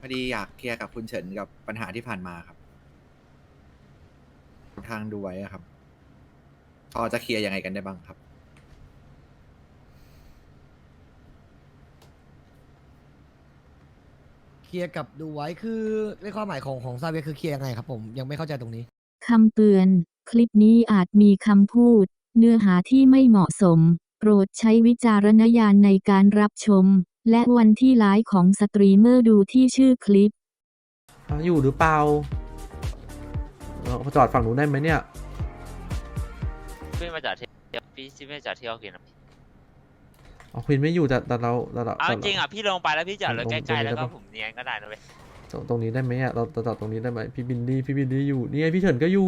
พอดีอยากเคลียร์กับคุณเฉินกับปัญหาที่ผ่านมาครับทางดูไว้อะครับพอจะเคลียร์ยังไงกันได้บ้างครับเคลียร์กับดูไว้คือในความหมายของซาเวียคือเคลียร์ยังไงครับผมยังไม่เข้าใจตรงนี้คำเตือน คลิปนี้อาจมีคำพูด เนื้อหาที่ไม่เหมาะสม โปรดใช้วิจารณญาณในการรับชม และวันที่ไลฟ์ของสตรีมเมอร์ดูที่ชื่อคลิปอยู่หรือเปล่าจอดฝั่งนู้นได้ไหมเนี่ยพี่มาจากที่พี่ไม่จากที่เขากินอ่ะอ๋อควินไม่อยู่แต่เราเอาจริงอ่ะพี่ลงไปแล้วพี่จอดรถใกล้ๆแล้วก็ตรงนี้ได้ปะผมเนียนก็ได้นะเว้ยตรงนี้ได้ไหมอ่ะเราจอดตรงนี้ได้ไหมพี่บินดี้อยู่นี่ไงพี่เฉินก็อยู่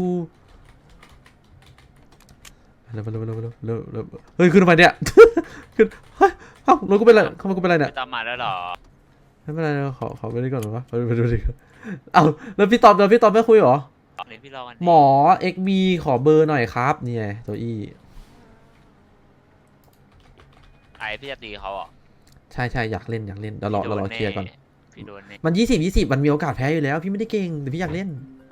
เร็วเฮ้ยขึ้นทำไมเนี่ย ขึ้นเฮ้ยเอ้ารถกูเป็นไรเข้ามากูเป็นไรเนี่ยไม่ตามมาแล้วหรอไม่เป็นไรขอไปนี่ก่อนหรอวะไปดูดิเอ้าแล้วพี่ตอบไม่คุยเหรอเดี๋ยวพี่รอกันหมอ XB ขอเบอร์หน่อยครับเนี่ยตัวอี้ไอพี่จะตีเขาอ่ะใช่อยากเล่นเดี๋ยวรอเคลียร์ก่อนพี่โดนเนี่ยมัน20มันมีโอกาสแพ้อยู่แล้วพี่ไม่ได้เก่งแต่พี่อยากเล่น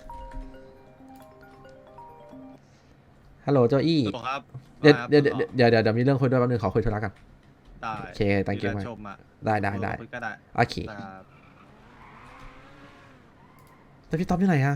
ฮัลโหลเจ้าอี้ครับเดี๋ยวมีเรื่องคุยด้วยแป๊บนึงขอคุยธุระกันได้โอเค thank you มากชมอ่ะได้คุยก็ได้โอเคครับแต่พี่ต๊อบอยู่ไหนอะ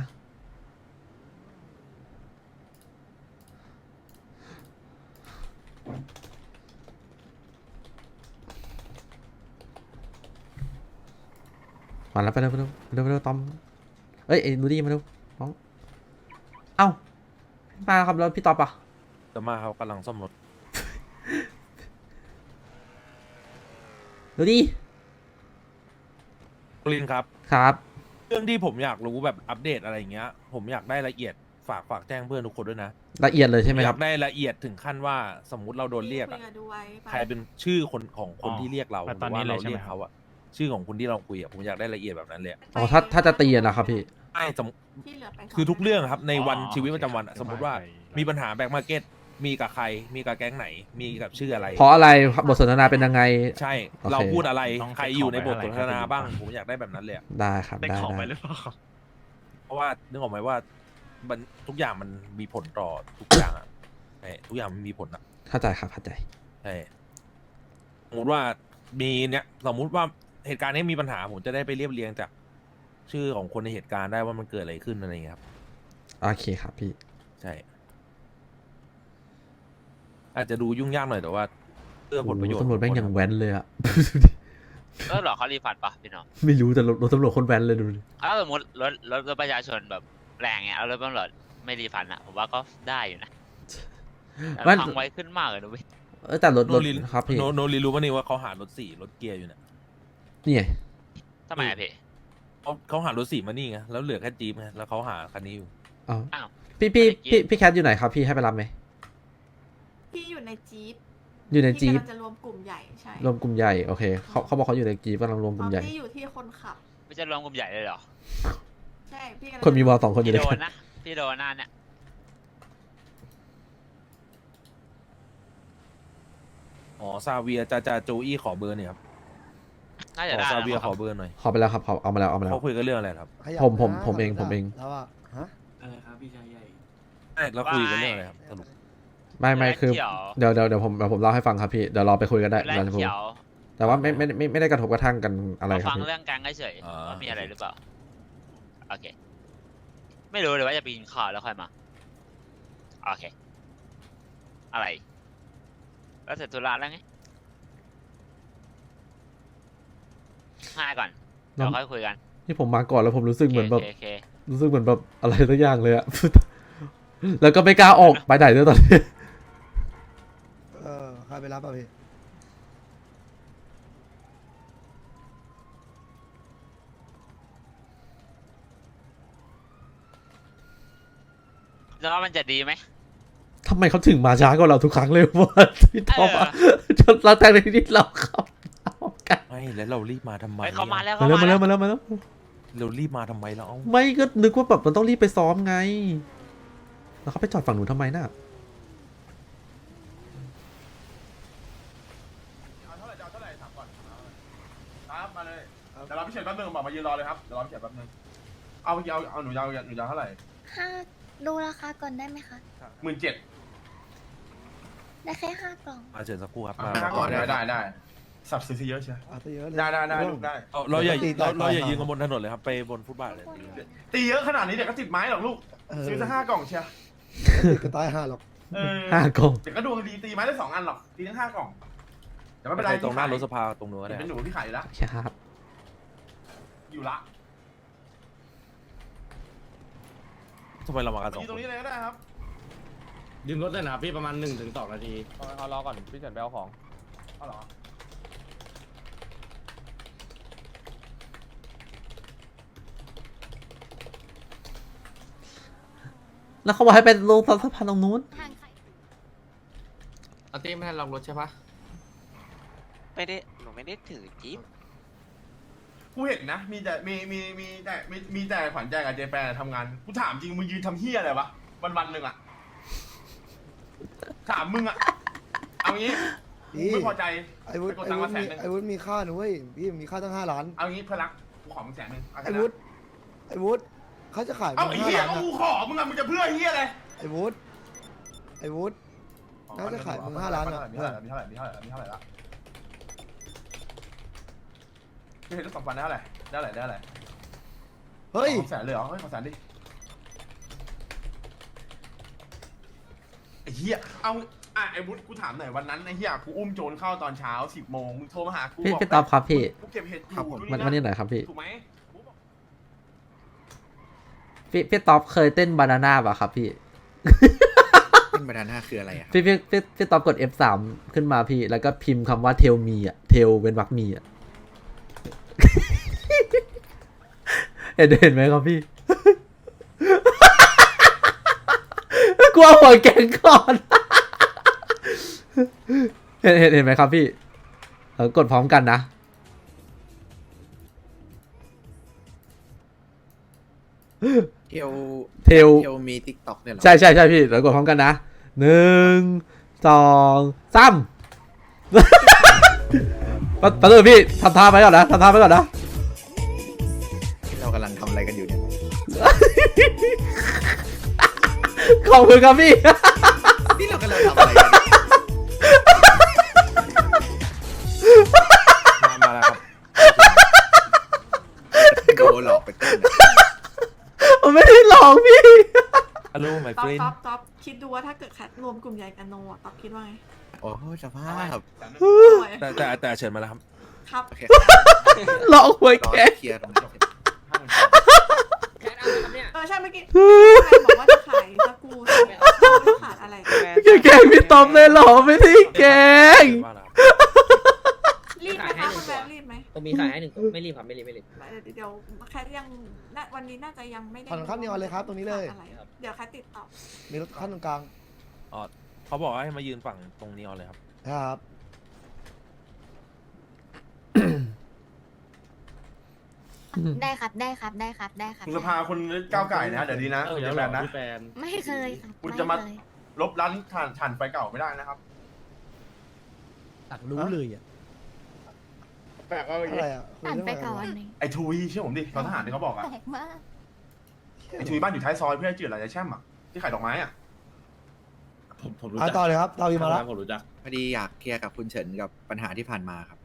มาแล้วไปเร็วตอมเอ้ยนูดี้มาเร็วน้องเอ้ามาครับแล้วพี่ต๊อบอะจะมาเขากำลังซ่อมรถนูดี้ลินครับครับเรื่องที่ผมอยากรู้แบบอัปเดตอะไรอย่างเงี้ย ผมอยากได้ละเอียดฝากแจ้งเพื่อนทุกคนด้วยนะละเอียดเลยใช่ไหมอคยารับกได้ละเอียดถึงขั้นว่าสมมุติเราโดนเรียกอะใครเป็นชื่อคนของคนที่เรียกเราหรือว่าเราเรียกเขาอะชื่อของคนที่เราคุยอะผมอยากได้ละเอียดแบบนั้นเลยอะอ๋อถ้าจะตีอะนะครับพี่ใช่ที่เหลือไปคือทุกเรื่องครับในวันชีวิตประจำวันอะสมมติว่ามีปัญหาแบ็คมาร์เก็ตมีกับใครมีกับแก๊งไหนมีกับชื่ออะไรเพราะอะไรบทสนทนาเป็นยังไงใช่โอเคเราพูดอะไรต้องใครอยู่ในบทสนทนาบ้าง ผมอยากได้แบบนั้นเลยอะได้ครับได้ได้ของไปได้หรือเปล่าเพราะว่านึกออกไหมว่ามันทุกอย่างมันมีผลต่อทุกอย่างอะใช่ทุกอย่างมันมีผลอะเข้าใจครับเข้าใจใช่สมมติว่ามีเนี่ยสมมุติว่าเหตุการณ์นี้มีปัญหาผมจะได้ไปเรียบเรียงจากชื่อของคนในเหตุการณ์ได้ว่ามันเกิดอะไรขึ้นอะไรอย่างเงี้ยครับโอเคครับพี่ใช่ อาจจะดูยุ่งยากหน่อยแต่ว่าเพื่อผลประโยชน์ตำรวจแม่งยังแว้นเลยอะหรอเขารีฟันปะพี่น้องไม่รู้แต่รถตำรวจคนแว้นเลยดูดิถ้าสมมติรถประชาชนแบบแรงเงี้ยเอารถตำรวจไม่รีฟันอ่ะผมว่าก็ได้อยู่นะแต่พังไว้ขึ้นมากเลยนะเว้ยแต่รถโนลินครับพี่โนลินรู้ป่ะนี่ว่าเขาหารถสี่รถเกียร์อยู่เนี่ยนี่ไงทำไมอะพี่เขาหารถสี่มานี่ไงแล้วเหลือแค่จี๊ปไงแล้วเขาหาคันนี้อยู่อ้าวอ้าวพี่แคทอยู่ไหนครับพี่ให้ไปรับไหมพี่อยู่ในจี๊ปอยู่ในจี๊ปที่กำลังจะรวมกลุ่มใหญ่ใช่รวมกลุ่มใหญ่โอเคเขาบอกเขาอยู่ในจี๊ปกำลังรวมกลุ่มใหญ่พี่อยู่ที่คนขับไม่จะรวมกลุ่มใหญ่เลยเหรอใช่พี่กำลังคนมีวอลสองคนอยู่พี่ด้วยโดกันนนะพี่โดนหน้าเนี่ยอ๋อซาเวียจะโจอี้ขอเบอร์เนี่ยครับน่าขจะอได้ซาแล้วเวียมั้งขคอรับเบอร์หน่อยขอไปแล้วครับเอามาแล้วเขาคุยกันเรื่องอะไรครับขยับผมเองแล้วอะฮะอะไรครับพี่ชายใหญ่ใช่แล้วคุยกันเรื่องอะไรครับสรุปไม่คือเขียวเดี๋ยวผมเล่าให้ฟังครับพี่เดี๋ยวรอไปคุยกันได้แรกเราจะพูดเขียวแต่ว่าไม่ได้กระทบกระทั่งกันอะไรมาครับฟังพี่เรื่องแกงเฉยๆว่ามีอะไรหรือเปล่าโอเค ไม่รู้เลยว่าจะไปกินข้าวแล้วค่อยมาโอเค อะไรแล้วเสร็จธุระแล้วไงง่ายก่อนเดี๋ยวค่อยคุยกันนี่ผมมาก่อนแล้วผมรู้สึกเหมือนแบบโอเครู้สึกเหมือนแบบอะไรสักอย่างเลยอะ แล้วก็ไม่กล้าออกไปไหนด้วยตอนนี้ใครไปรับอ่ะพี่แล้วว่ามันจะดีไหมทำไมเขาถึงมาช้ากว่าเราทุกครั้งเลยวะพี่ท็อปอะจนเราแต่ในที่เราเข้ากันไม่แล้วเรารีบมาทำไมเฮ้ยเขามาแล้วมาเขาแล้วมามาแล้แล้ว วมาแล้วเรารีบมาทำไมเราไม่ก็นึกว่าแบบมันต้องรีบไปซ้อมไง แล้วเขาไปจอดฝั่งหนูทำไมน่ะเอาเท่าไหร่ถามก่อนครับมาเลยเดี๋ยวเราพี่เฉินแป๊บนึงบอกมายืนรอเลยครับเดี๋ยวรอพี่เฉินแป๊บนึงเอาหนูยาวเท่าไหร่ดูราคาก่อนได้ไหมคะ 17,000 ได้แค่5 กล่องเชิญสักครู่ครับก่อนได้สับซื้อเยอะใช่เยอะเลยได้ลูกได้เราอย่าตีต่อเราอย่ายืนกันบนถนนเลยครับไปบนฟุตบาทเลยตีเยอะขนาดนี้เดี๋ยวก็ติดไม้หรอกลูกซื้อสัก5 กล่องเชียก็ตาย5หรอก 5 กล่องเดี๋ยวก็ดวงดีตีไม้ได้2 อันหรอกตีทั้ง5 กล่องแต่ไม่เป็นไรตรงหน้ารถสภาตรงนู้นก็ได้เป็นหนูที่ขายอยู่แล้วครับอยู่ละทำไมเรามากันสองยืนคตรงนนี้เลยก็ได้ครับยืมรถได้นะครับพี่ประมาณ1-2 นาทีเอารอก่อนพี่เฉินไปเอาของเอาเหรอแล้วเขาบอกให้ไปลงสะพานตรงนู้นอาร์ตี้ไม่ให้ลองรถใช่ปะหนูไม่ได้ถือจิ๊บกูเห็นนะมีแต่ขวัญใจกับเจแปนทำงานกูถามจริงมึงยืนทำเฮียอะไรวะวันหนึ่งอะถามมึงอะเอางี้กูไม่พอใจไอ้วุฒิไปกดตังค์มา100,000 ไอ้วุฒิมีค่าหนูเว้ยพี่มีค่าตั้ง5 ล้านเอางี้เพื่อนรักกูขอมึง100,000เอาแค่ไอ้นั้นวุฒิเขาจะขายเอามึไอ้งเฮีย 5 ล้านก็อะกูขอมึงอะมึงจะเพื่อเฮียอะไรไอ้วุฒิน่าจะขายมึง5 ล้านอะมีเท่าไหร่ละไม่เห็นรถ2 วันได้เท่าไหร่เฮ้ย 100,000เลยเหรอเฮ้ยขอ100,000ดิไอ้เฮียเอาไอ้วุฒิกูถามหน่อยวันนั้นไอ้เฮียกูอุ้มโจรเข้าตอนเช้า10 โมงมึงโทรมาหากูพี่บอกพี่ต๊อบครับพี่กูเก็บเห็ดอยู่วันนี้หน่อยครับพี่ถูกไหมพี่ต๊อบเคยเต้นบานาน่าป่ะครับพี่ขึ้นบานาน่าคืออะไรอะครับพี่ต๊อบกด F3 ขึ้นมาพี่ แล้วก็พิมพ์คำว่า tell me อ่ะ tell เป็นวรรคมีอ่ะ เห็นไหมครับพี่ กลัวหัวแกงก่อน เห็นไหมครับพี่กดพร้อมกันนะเทล tell เทลมีติ๊กต็อกเนี่ยเหรอใช่พี่เดี๋ยวกดพร้อมกันนะ 1 2 3 แป๊บนึงพี่ทำท่าไปก่อนนะเรากำลังทำอะไรกันอยู่เนี่ยขอบคุณครับพี่นี่เรากำลังทำอะไรกันเนี่ยมาแล้วครับโดนหลอกไปเต้นอะผมไม่ได้หลอกพี่ฮัลโหลไมต๊อปเฟรนต๊อปคิดดูว่าถ้าเกิดแคทรวมกลุ่มใหญ่กันโนอะต๊อปคิดว่าไงโอ้สภาพสวยแต่เชิญมาแล้วครับครับโอเคหลอกหวยรอแกเคลียร์ตรงนี้เสร็จแคทเอาครับเนี่ยใช่เมื่อกี้แฟนบอกว่าจะขายสกรูไม่ขาดอะไรแกล้งพี่ต๊อบเลยเหรอไม่ได้แกล้งว่าแล้วรีบไหมคะคุณแบงค์รีบไหมผมมีขายให้1 ไม่รีบครับไม่รีบเดี๋ยวแคทยังวันนี้น่าจะยังไม่ได้ถนนข้ามนีออนเลยครับตรงนี้เลยอะไรเดี๋ยวแคทติดต่อมีรถขั้นตรงกลางอ๋อเขาบอกว่าให้มายืนฝั่งตรงนี้เอาเลยครับครับได้ครับได้ครับคุณสภาคุณก้าวไก่นะเดี๋ยวดีนะเดี๋เดี๋ยยว วแบแบบ บนะพี่แฟนไม่เคยครับคุณจะมาไเคยลบร้านถ่านไฟเก่าไม่ได้นะครับอยากรู้เลยอ่ะแปลกว่าอะไรอ่ะคุยอ่านเรื่องไปอะไรก่อนวะหนึ่งไอ้ทุยเชื่อผมดิตอนทหารที่เขาบอกอะแปลกมากไอ้ทุยบ้านอยู่ท้ายซอยเพื่อนจืดหลายใจแช่มอะที่ขายดอกไม้อะผมรู้อ่ะจักต่อเลยครับเราอีกมาแล้วผมรู้จักพอดีอยากเคลียร์กับคุณเฉินกับปัญหาที่ผ่านมาครับ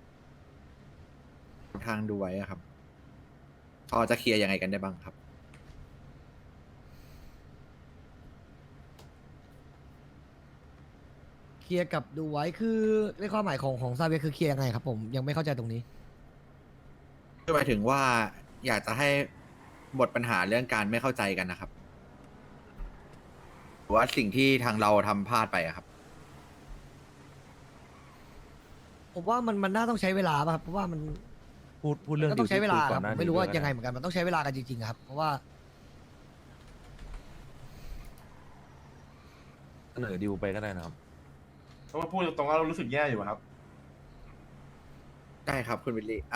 ทางดูไว้อะครับพอจะเคลียร์ยังไงกันได้บ้างครับเคลียร์กับดูไว้คือในความหมายของซาเวียคือเคลียร์ยังไงครับผมยังไม่เข้าใจตรงนี้คือหมายถึงว่าอยากจะให้หมดปัญหาเรื่องการไม่เข้าใจกันนะครับหรือว่าสิ่งที่ทางเราทำพลาดไปอะครับผมว่ามันน่าต้องใช้เวลาป่ะครับเพราะว่ามันพูดเรื่องก็ต้องใช้เวลาที่คุยคก่รัอบ นหน้านี้ไม่รู้ว่าด้ยังไงเหมือนกันมันต้องใช้เวลากันจริงๆครับเพราะว่าเสนอดิวไปก็ได้นะครับเพราะว่าพูดตรงๆว่าเรารู้สึกแย่อยู่อะครับได้ครับคุณวิลลี่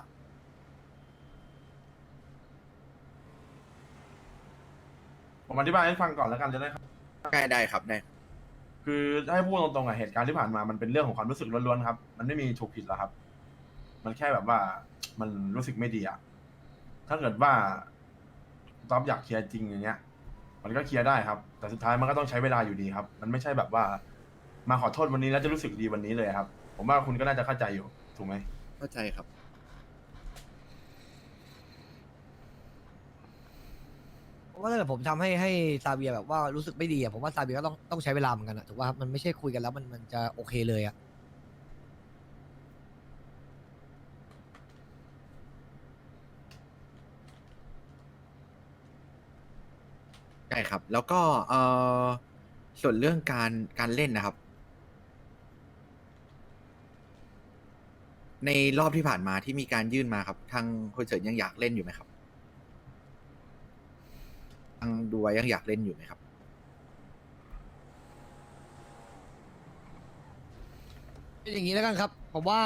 ผมอธิบายให้ฟังก่อนแล้วกันจะได้ครับได้ครับได้คือให้พูดตรงๆอะเหตุการณ์ที่ผ่านมามันเป็นเรื่องของความรู้สึกล้วนๆครับ มันไม่มีถูกผิดหรอกครับ มันแค่แบบว่ามันรู้สึกไม่ดีอะถ้าเกิดว่าต๊อบอยากเคลียร์จริงอย่างเงี้ย มันก็เคลียร์ได้ครับ แต่สุดท้ายมันก็ต้องใช้เวลาอยู่ดีครับ มันไม่ใช่แบบว่า มาขอโทษวันนี้แล้วจะรู้สึกดีวันนี้เลยครับ ผมว่าคุณก็น่าจะเข้าใจอยู่ถูกไหมเข้าใจครับเพราะว่าถ้าเกิดผมทำให้ซาเวียแบบว่ารู้สึกไม่ดีอะผมว่าซาเวียก็ต้องใช้เวลาเหมือนกันอะถูกป่ะครับมันไม่ใช่คุยกันแล้วมันจะโอเคเลยอะใช่ครับ แล้วก็ส่วนเรื่องการเล่นนะครับ ในรอบที่ผ่านมาที่มีการยื่นมาครับ ทางคุณเฉินยังอยากเล่นอยู่ไหมครับทางดูไว้ยังอยากเล่นอยู่ไหมครับเป็นอย่างนี้แล้วกันครับผมว่า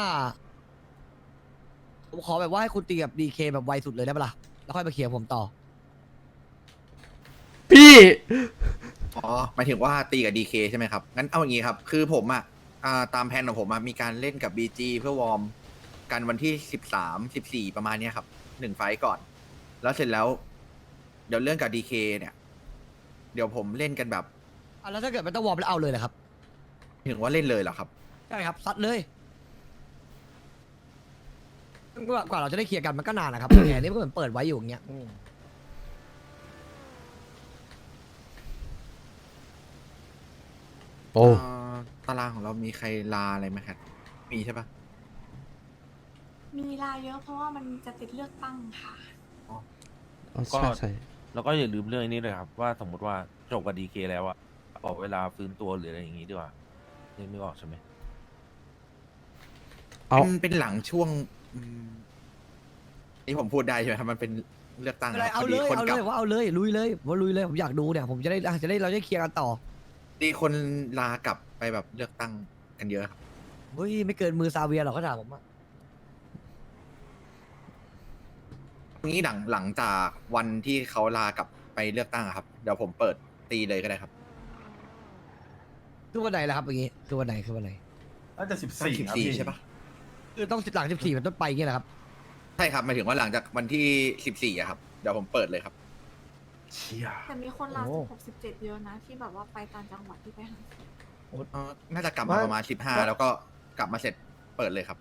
ผมขอแบบว่าให้คุณตีกับดีเคแบบไวสุดเลยได้ปะล่ะแล้วค่อยมาเคลียร์ผมต่อพี่อ๋อหมายถึงว่าตีกับ DK ใช่ไหมครับ งั้นเอาอย่างนี้ครับ คือผมตามแผนของผมมีการเล่นกับ BG เพื่อวอร์มกันวันที่13-14ประมาณเนี้ยครับ1 ไฟต์ก่อน แล้วเสร็จแล้ว เดี๋ยวเรื่องกับ DK เนี่ย เดี๋ยวผมเล่นกันแบบแล้วถ้าเกิดมันต้องวอร์มแล้วเอาเลยนะครับถึงว่าเล่นเลยเหรอครับใช่ครับซัดเลยกว่าเราจะได้เคลียร์กันมันก็นานนะครับ แผนนี้มันก็เหมือนเปิดไว้อยู่อย่างเงี้ยโอ้ตารางของเรามีใครลาอะไรไหมครับมีใช่ปะมีลาเยอะเพราะว่ามันจะติดเลือกตั้งค่ะใช่ใช่แล้วก็อย่าลืมเรื่องนี้เลยครับ ว่าสมมติว่าจบกับดีเคแล้วอะขอเวลาฟื้นตัวหรืออะไรอย่างงี้ดีกว่านึกออกใช่ไหมเอาเป็นหลังช่วงนี่ผมพูดได้ใช่ไหมครับมันเป็นเลือกตั้งอะไรครับเอาพเลดียคนเอากเลลับยว่าเอาเลยลุยเลยว่าลุยเลยผมอยากดูเนี่ยผมจะได้เราจะเคลียร์กันต่อดีคนลากลับไปแบบเลือกตั้งกันเยอะครับเฮ้ยไม่เกินมือซาเวียหรอกเขาถามผมอะนี้หลังจากวันที่เขาลากลับไปเลือกตั้งอะครับ เดี๋ยวผมเปิดตีเลยก็ได้ครับคือวันไหนล่ะครับอย่างงี้คือวันไหนน่าจะ14ครับพี่ 14ใช่ปะคือต้องหลัง14เป็นต้นไปอย่างเงี้ยแหละครับใช่ครับหมายถึงว่าหลังจากวันที่14อะครับเดี๋ยวผมเปิดเลยครับเชี่ยแต่มีคนลาโอ้ 16 17เยอะนะ ที่แบบว่าไปต่างจังหวัดที่ไปหาเสียงน่าจะกลับมาประมาณ15แล้วก็กลับมาเสร็จเปิดเลยครับ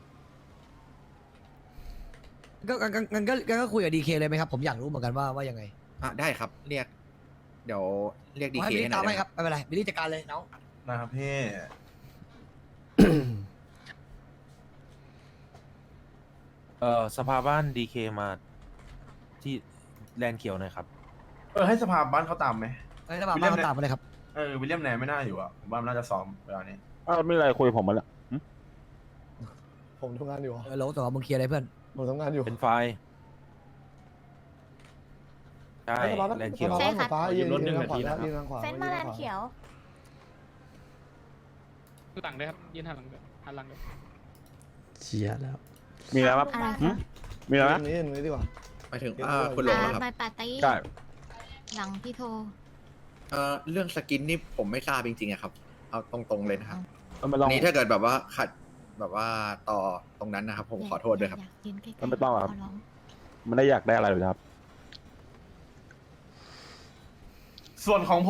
ก็คุยกับดีเคเลยไหมครับผมอยากรู้เหมือนกันว่ายังไงได้ครับเรียก เดี๋ยวเรียกดีให้เคบิลให้ลี่หน่ตาอมยให้ได้คไหมรับไม่เป็นไรบิลลี่จัดการเลยน้องนะครับพี่สภาบ้านดีเคมาที่แลนด์เขียวหน่อยครับให้สภาบ้านเขาตามไหมให้ระบาดบ้านเขาตามมาเลยครับวิลเลียมแนนไม่น่าอยู่อ่ะผมว่ามันน่าจะซ้อมเวลานี้ไม่อะไรคุยผมมาแล้วผมทำงานอยู่โหลแต่ว่ามึงเคลียร์อะไรเพื่อนผมทำงานอยู่เป็นไฟล์ใช่ แลนด์เขียวใช่ครับฟ้ายืนรถหนึ่งทางขวานาทีนะครับยืนทางขวาเฟ้นมาแลนด์เขียวหลังด้วยครับยืนหันหลังด้วยหันหลังด้วยเชียแล้วมีแล้วครับอะไรคะมีแล้วนะนี่ดีกว่าหมายถึงคุณหลงเหรอครับไปปาร์ตี้ใช่หลังพี่โทรเรื่องสกินนี่ผมไม่ทราบจริงๆอะครับ เอาตรงๆเลยนะครับมันไม่ต้องอันนี้ถ้าเกิดแบบว่าขัดแบบว่าต่อตรงนั้นนะครับ ผมขอโทษด้วยครับอยากยืนใกล้ๆมันไม่ต้องหรอกครับขร้องมันได้อยากได้อะไรหรือครับส่วนของผม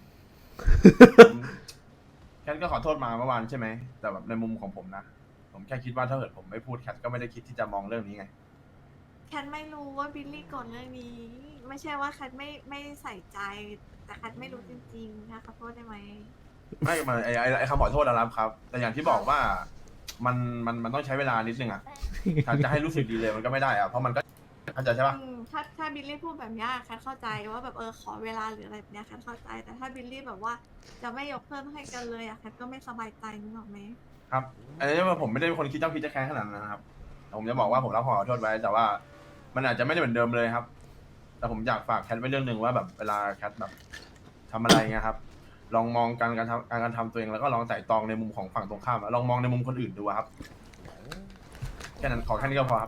แคทก็ขอโทษมาเมื่อวานใช่ไหม แต่แบบในมุมของผมนะ ผมแค่คิดว่าถ้าเกิดผมไม่พูดแคทก็ไม่ได้คิดที่จะมองเรื่องนี้ไงแคทไม่รู้ว่าบิลลี่กดเรื่องนี้ ไม่ใช่ว่าแคทไม่ใส่ใจ แต่แคทไม่รู้จริงๆนะขอโทษได้ไหมไม่มาไอ้คำขอโทษนะครับครับ แต่อย่างที่บอกว่ามันต้องใช้เวลานิดนึงอ่ะถ้าจะให้รู้สึกดีเลยมันก็ไม่ได้อ่ะเพราะมันก็เข้าใจใช่ปะถ้าบิลลี่พูดแบบเนี้ยแคทเข้าใจว่าแบบขอเวลาหรืออะไรแบบเนี้ยแคทเข้าใจ แต่ถ้าบิลลี่แบบว่าจะไม่ยกเพิ่มให้กันเลยอะแคทก็ไม่สบายใจนึกออกไหมครับอันนี้ว่าผมไม่ได้เป็นคนคิดเจ้าคิดจะแค้นขนาดนั้นนะครับแต่ผมจะบอกว่าผมรับขอโทษไว้ แต่ว่ามันอาจจะไม่ได้เหมือนเดิมเลยครับ แต่ผมอยากฝากแคทไว้เรื่องหนึ่งว่าแบบเวลาแคทแบบทำอะไรเงี้ยครับ ลองมองการทำตัวเองแล้วก็ลองไต่ตองในมุมของฝั่งตรงข้ามอะลองมองในมุมคนอื่นดูอะครับแค่นั้นขอแค่นี้ก็พอครับ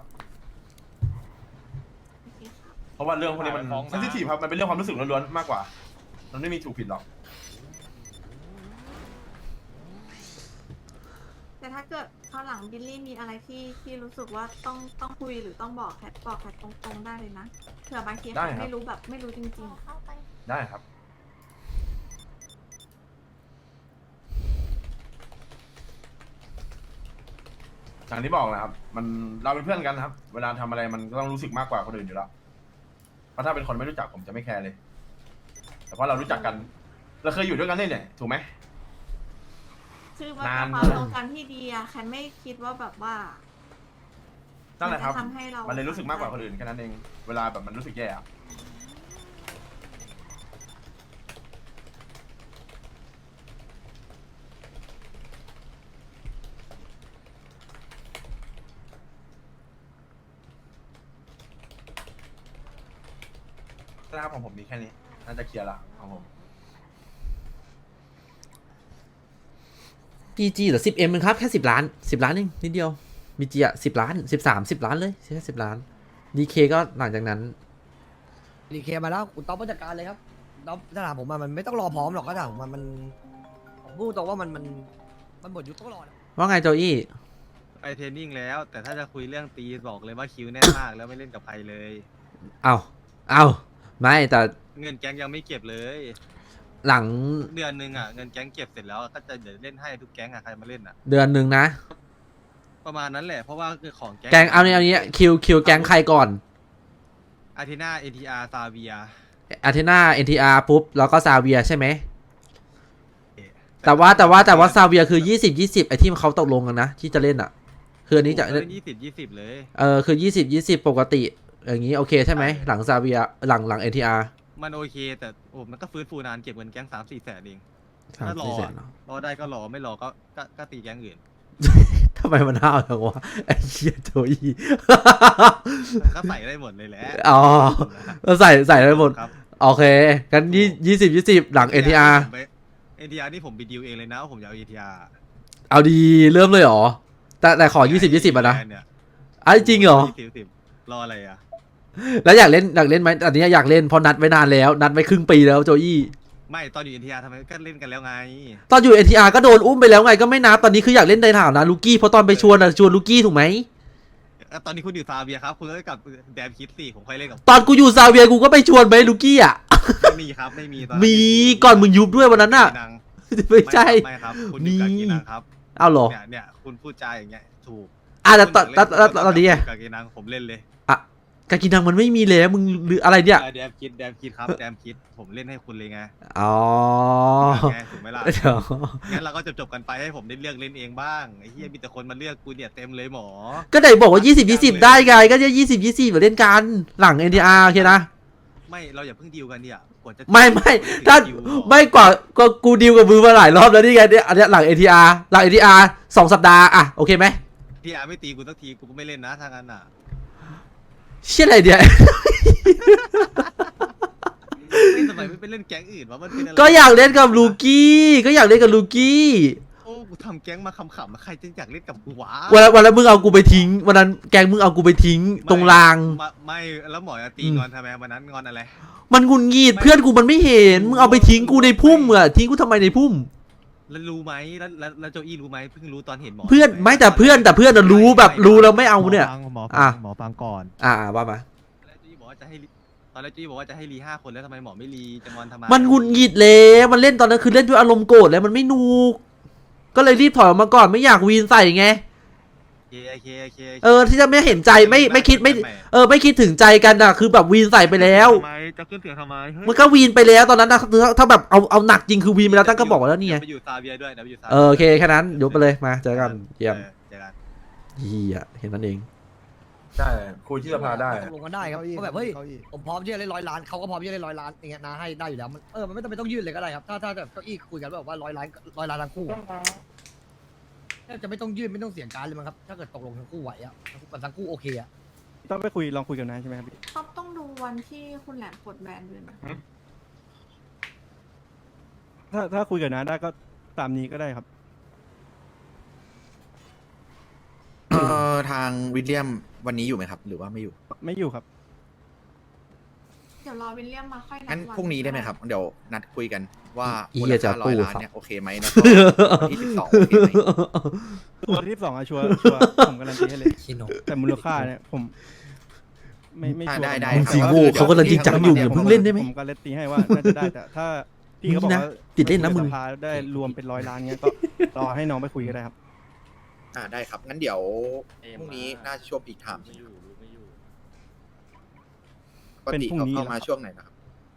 โอเคค่ะเพราะว่าเรื่องพวกนี้มันฟ้องนะเซนซิทีฟครับมันเป็นเรื่องความรู้สึกล้วนๆมากกว่า มันไม่มีถูกผิดหรอกแต่ถ้าเกิดข้าวหลังบิลลี่มีอะไรที่รู้สึกว่าต้องคุยหรือต้องบอกแคทตรงๆได้เลยนะเผื่อบางทีแคทไม่รู้แบบไม่รู้จริงๆเข้าไปได้ครับ อย่างที่บอกแหละครับ มันเราเป็นเพื่อนกันครับ เวลาทำอะไรมันก็ต้องรู้สึกมากกว่าคนอื่นอยู่แล้ว เพราะถ้าเป็นคนไม่รู้จักผมจะไม่แคร์เลย แต่เพราะเรารู้จักกัน เราเคยอยู่ด้วยกันเนี่ยถูกไหมคือมันนานเป็นความตรงกันที่ดีอะแคนไม่คิดว่าแบบว่านั่นแหละครับมันจะทำให้เรามัมันเลยรู้สึกมากกว่าคนอื่นแค่นั้นเอง เวลาแบบมันรู้สึกแย่อะนะครับของผมมีแค่นี้ น่าจะเคลียร์ละของผม BG เหรอ 10M เองครับแค่10 ล้าน10 ล้านเองนิดเดียว BG อ่ะ10 ล้าน13 10 ล้านเลยแค่10 ล้าน DK ก็หลังจากนั้นดีเคมาแล้วคุณต๊อบผู้จัดการเลยครับต๊อบถ้าถามผมมันไม่ต้องรอพร้อมหรอกก็ถามผมผมพูดตรงว่ามันหมดยุคต้องรอนะว่าไงโจอี้ไปเทรนนิ่งแล้ว แต่ถ้าจะคุยเรื่องตีบอกเลยว่าคิวแน่นมากแล้วไม่เล่นกับใครเลยเอาไม่แต่เงินแก๊งยังไม่เก็บเลยหลังเดือนหนึ่งอ่ะเงินแก๊งเก็บเสร็จแล้วก็จะเดี๋ยวเล่นให้ทุกแก๊งอ่ะใครมาเล่นอ่ะเดือนหนึ่งนะประมาณนั้นแหละเพราะว่าคือของแกงเอานี้คิวแกงใครก่อนอาทินาเอทีอาร์ซาเวียอาเทนา NTR ปุ๊บ แล้วก็ซาเวียใช่ไหม แต่ว่าซาเวียคือ20 ไอที่เขาตกลงกันนะ ที่จะเล่นอ่ะ คืออันนี้จะเล่น20 เลยคือ20 ปกติ อย่างนี้โอเคใช่ไหม หลังซาเวียหลัง NTR มันโอเคแต่โอ้มันก็ฟื้นฟูนานเก็บเงินแก๊ง3-4 แสนเอง 3-4 ถ้ารอแสนเหรอรอได้ก็รอไม่รอก็ตีแก๊งอื่นทำไมมันห้าวจังวะไอ้เหี้ยโจอี้ก็ใส่ได้หมดเลยแหละอ๋อเราใส่ได้หมดครับโอเคกัน20 หลัง NTR NTR นี่ผมไปดีลเองเลยนะว่าผมจะเอา NTR เอาดีเริ่มเลยเหรอ แต่ขอ20 อ่ะนะไอ้จริงเหรอรออะไรอ่ะแล้วอยากเล่นไหมอันนี้อยากเล่นเพราะนัดไว้นานแล้ว นัดไว้ครึ่งปีแล้วโจอี้ไม่ตอนอยู่ NTR ทำไมก็เล่นกันแล้วไงตอนอยู่ NTR ก็โดนอุ้มไปแล้วไงก็ไม่นับตอนนี้คืออยากเล่นในฐานะลูกี้เพราะตอนไปชวนลูกี้ถูกไหมตอนนี้คุณอยู่ซาเบียครับคุณก็กลับแดมคิดสิผมค่อยเล่นกับตอนกูอยู่ซาเวียกูก็ไปชวนไปลูกี้อ่ะไม่มีครับไม่มีตอนนั้นมีก่อนมึงยุบด้วยวันนั้นน่ะกีนังไม่ใช่ไม่ครับคุณอยู่กับกีนังครับเอาเหรอเนี่ยคุณพูดจาอย่างเงี้ยถูกแต่ตอนนี้อะกับกีนังผมเล่นเลยกากินังมันไม่มีแล้วมึงหรืออะไรเนี่ยแดมคิดครับแดมคิดผมเล่นให้คุณเลยไงอ๋อไงถูกไหมล่ะเดี๋ยวงั้นเราก็จบกันไปให้ผมได้เลือกเล่นเองบ้างไอ้เหี้ยมีแต่คนมาเลือกกูเนี่ยเต็มเลยหมอก็ไหนบอกว่า20 ได้ไงก็จะ20 มาเล่นกันหลัง NTR โอเคนะไม่เราอย่าเพิ่งดีลกันเนี่ยกว่าจะไม่ถ้าไม่กว่าก็กูดีลกับมือมาหลายรอบแล้วนี่ไงเนี่ยอันเนี้ยหลัง NTR หลัง NTR 2 สัปดาห์อะโอเคไหมพี่อาร์ไม่ตีกูสักทีกูก็ไม่เล่นนะทางนั้นอ่ะเชี่ยอะไรเนี่ยไม่ทำไมไม่ไปเล่นแก๊งอื่นวะมันเป็นอะไรก็อยากเล่นกับลูกี้ก็อยากเล่นกับลูกี้โอ้กูทำแก๊งมาขำๆใครจะอยากเล่นกับกูวะวันนั้นมึงเอากูไปทิ้งวันนั้นแกงมึงเอากูไปทิ้งตรงรางไม่แล้วหมอจะตีงอนทำไมวันนั้นงอนอะไรมันงุนงีดเพื่อนกูมันไม่เห็นมึงเอาไปทิ้งกูในพุ่มอะทิ้งกูทำไมในพุ่มแล้วรู้ไหมแล้วโจอี้รู้ไหมเพิ่งรู้ตอนเห็นหมอเพื่อนไม่แต่เพื่อนอะรู้แบบรู้แล้วไม่เอาเนี่ยหมอฟังก่อนว่ามาแล้วโจอี้บอกว่าจะให้ตอนแรกโจอี้บอกว่าจะให้รี5 คนแล้วทำไมหมอไม่รีจะงอนทำไมมันงุนงีดเลยมันเล่นตอนนั้นคือเล่นด้วยอารมณ์โกรธแล้วมันไม่นูกก็เลยรีบถอยออกมาก่อนไม่อยากวีนใส่ไงโอเคที่จะไม่เห็นใจไม่คิดไม่คิดถึงใจกันอะคือแบบวีนใส่ไปแล้วทำไมจะขึ้นเสียงทำไมมันก็วีนไปแล้วตอนนั้นนะถ้าแบบเอาหนักจริงคือวีนไปแล้วตั้งก็บอกแล้วนี่ไงไปอยู่ซาเบียด้วยนะไปอยู่ซาโอเคแค่นั้นยกไปเลยมาเจอกันเยี่ยมเจอกันเฮียเห็นนั่นเองใช่คุยที่สภาได้ตกลงกันได้ครับก็แบบเฮ้ยผมพร้อมที่จะเล่น100 ล้านเขาก็พร้อมที่จะเล่น100 ล้านอย่างเงี้ยนะให้ได้อยู่แล้วมันไม่จำเป็นต้องยื่นเลยก็ได้ครับถ้าแบบเก้าอี้คุยกันแบบว่า100 ล้านทั้งคู่จะไม่ต้องยื่นไม่ต้องเสียงการเลยมั้งครับถ้าเกิดตกลงทั้งคู่ไหวอะทั้งคู่โอเคอะต้องไปลองคุยกันนะใช่ไหมครับพี่ต้องดูวันที่คุณแหลมปลดแบนด้วยนะถ้าคุยกันนะได้ก็ตามนี้ก็ได้ครับทางวิลเลียมวันนี้อยู่ไหมครับ หรือว่าไม่อยู่ไม่อยู่ครับเดี๋ยวรอวิลเลียมมาค่อยนัดงั้นวัพรุ่งนี้ได้ไหมครับ เดี๋ยวนัดคุยกันว่าอีมูเหี้ลยจะค่าร้อยล้านตู้เนี่ยโอเคไหมแล้วก็วันที่12โอเคไหมตัวที่2อะชัวร์ผมการันตีให้เลยแต่มูลค่าเนี่ยผมไม่ชัวร์ได้มึงสิโง่เขากำลังจริงจังอยู่อย่าเพิ่งเล่นได้ไหมผมการันตีให้ว่าน่าจะได้แต่ถ้าพี่เขาบอกว่าติดเล่นนะมึงสภาได้รวมเป็น100 ล้านเงี้ยก็รอให้น้องไปคุยก็ได้ครับได้ครับ งั้นเดี๋ยวพรุ่งนี้น่าจะช่วงปีกถามปกติเขาเข้ามาช่วงไหนนะครับ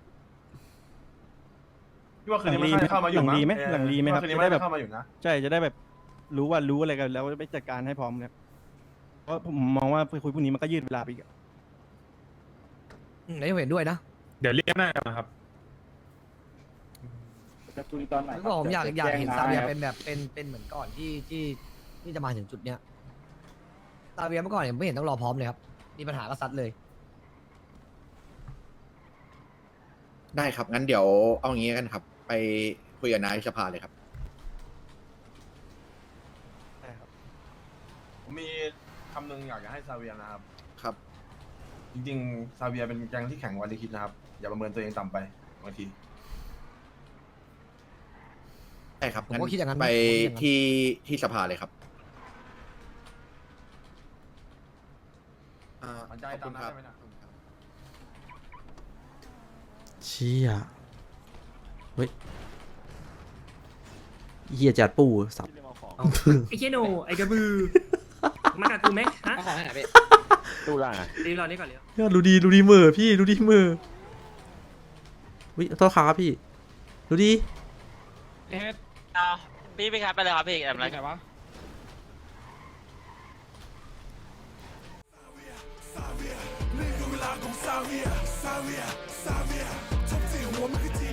พี่ว่าคืนนี้มันน่าจะเข้ามาอยู่หลังมั้รีไหมหลังรีไหมครับคืนนี้จะมันได้น่าแบบจะเข้ามาอยู่นะใช่จะได้แบบรู้อะไรกันแล้วไปจัดการให้พร้อมครับเพราะผมมองว่าไปคุยพรุ่งนี้มันก็ยืดเวลาไปอีกอะไหนเห็นด้วยนะเดี๋ยวเรียกหน้ามาครับแล้วก็ผมอยากเห็นซาเวียเป็นแบบเป็นเหมือนก่อนที่จะมาถึงจุดเนี้ยซาเวียเมื่อก่อนเนี่ยไม่เห็นต้องรอพร้อมเลยครับมีปัญหาก็ซัดเลยได้ครับ งั้นเดี๋ยวเอางี้กันครับ ไปคุยกับนายสภาเลยครับผมมีคำหนึ่งอยากจะให้ซาเวียนะครับครับจริงๆซาเวียเป็นแก๊งที่แข็งกว่าที่คิดนะครับ อย่าประเมินตัวเองต่ำไปบางทีได้ครับผมก็คิดอย่างนั้นนะไปผมก็คิดอย่างนั้นที่สภาเลยครับขวัญใจตามนั้นได้ไหมนะเชี่ยเฮ้ยเฮียจัดปูสับไอ้เชโนไอ้กระบือ มากับกูไหมฮะขอให้ไหนพี่ตู้ล่างรีบรอนี่ก่อนเร็วยอดดูดีมือพี่ดูดีมือวิโทษครับพี่ดูดีเอาพี่ครับไปเลยครับพี่อะไรนี่คือเวลาของซาเวียทบที่หัวมันคือ